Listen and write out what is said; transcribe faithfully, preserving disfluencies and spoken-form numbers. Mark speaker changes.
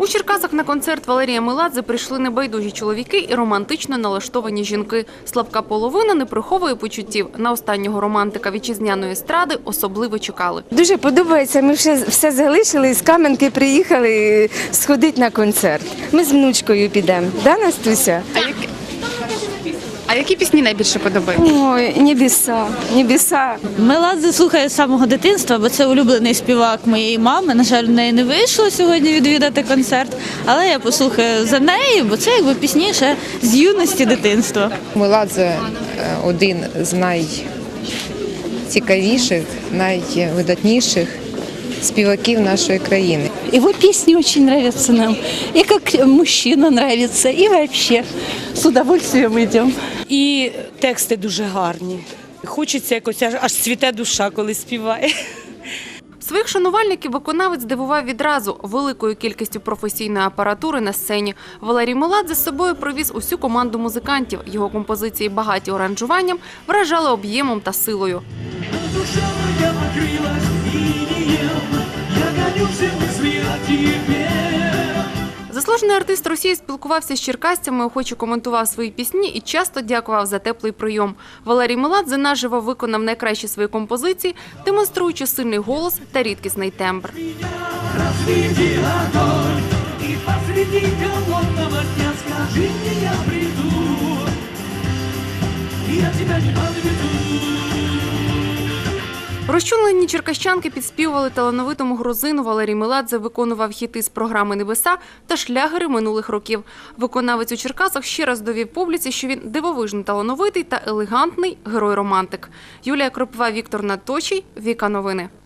Speaker 1: Черкасах на концерт Валерія Меладзе прийшли небайдужі чоловіки і романтично налаштовані жінки. Слабка половина не приховує почуттів. На останнього романтика вітчизняної естради особливо чекали.
Speaker 2: Дуже подобається, ми все, все залишили, з Кам'янки приїхали сходити на концерт. Ми з внучкою підемо. Да, Настуся?
Speaker 1: А які, а які пісні найбільше подобаються?
Speaker 2: Ой, небеса, небеса.
Speaker 3: Меладзе слухаю з самого дитинства, бо це улюблений співак моєї мами. На жаль, в неї не вийшло сьогодні відвідати концерт, але я послухаю за нею, бо це якби пісні ще з юності дитинства.
Speaker 4: Меладзе один з найцікавіших, найвидатніших співаків нашої країни.
Speaker 5: Его песни очень нравятся нам, и как мужчина нравится, и вообще с удовольствием идем.
Speaker 6: І тексти дуже гарні. Хочеться якось, аж, аж цвіте душа, коли співає.
Speaker 1: Своїх шанувальників виконавець здивував відразу великою кількістю професійної апаратури на сцені. Валерій Меладзе з собою привіз усю команду музикантів. Його композиції, багаті аранжуванням, вражали об'ємом та силою. Заслужений артист Росії спілкувався з черкасцями, охоче коментував свої пісні і часто дякував за теплий прийом. Валерій Меладзе наживо виконав найкращі свої композиції, демонструючи сильний голос та рідкісний тембр. Розчулені черкащанки підспівували талановитому грузину. Валерій Меладзе виконував хіти з програми «Небеса» та шлягери минулих років. Виконавець у Черкасах ще раз довів публіці, що він дивовижно талановитий та елегантний герой-романтик. Юлія Кропива, Віктор Надточий, Віка Новини.